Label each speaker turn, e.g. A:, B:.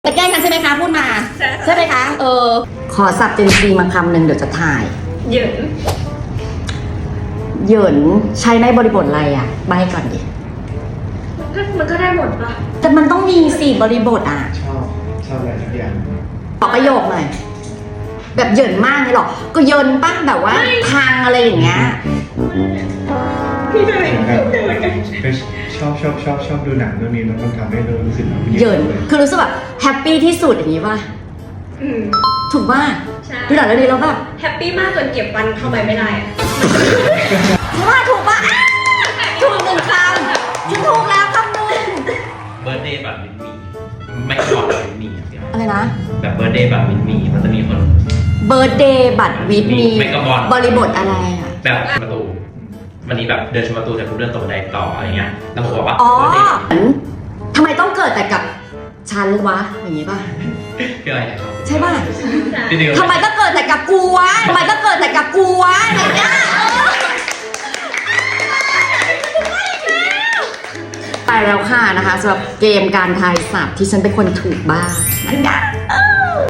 A: จะแกล้งกันใช่ไหมคะพูดมาใช่ไหมคะขอสับเจนซีมาคำหนึ่งเดี๋ยวจะถ่าย
B: เหยิน
A: เหยินใช้ในบริบทอะไรอ่ะใบก่อนดิ
B: มันก็ได้หมดปะ
A: แต่มันต้องมีสี่บริบทอ่ะ
C: ชอบอะไรสักอย่าง
A: บอกประโยคหน่อยแบบเหยินมากเลยหรอก็เหยินปั้งแบบว่าทางอะไรอย่างเงี้ย
B: พี่จะไม่
C: เหมือนกัน
B: เหมือนกัน
C: ไปชอบดูหนังเรื่องนี้แล้วมันทำให้เรารู้สึกแบบ
A: เหยินคือรู้สึกแบบแฮปปี้ที่สุดอย่างนี้ป่ะ
B: อืม
A: ถูกป่ะ
B: ใช่
A: ดูหนังเรื่องนี้แล้วแบบ
B: แฮปปี้มากจนเก็บฟันเข้าไปไม่ได้อะ
A: ถูกป่ะอ้าวถูกหนึ่งคำฉันถูกแล้วคำหนึ่ง
D: เบิร์ดเดย์แบบมินมีไม่ก่อนมินมีอะเดี๋ยว
A: อะไรนะ
D: แบบเบิร์ดเดย์แบบมินมีมันจะมีคน
A: เบิร์ดเดย์บัตรวิทมี
D: ไม่กระบอน
A: บริบทอะไรอ่ะ
D: แบบประตูวันนี้แบบเดินชมประตูแต่กูเดินตรงบันไดต่ออะไรเงี้ยแล้วผมบอกว่า
A: อ๋อ
D: เบิร์ดเดย์
A: ทำไมต้องเกิดแต่กับฉันวะอย่างนี้ป่ะ
D: คืออะไรนะครับ
A: ใช่ป่ะ
D: จริงๆ
A: ทำไมต้องเกิดแต่กับกูวะทำไมต้องเกิดแต่กับกูวะอย่างเงี้ยไปแล้วค่ะนะคะสำหรับเกมการทายศัพท์ที่ฉันเป็นคนถูกบ้างนั่นไง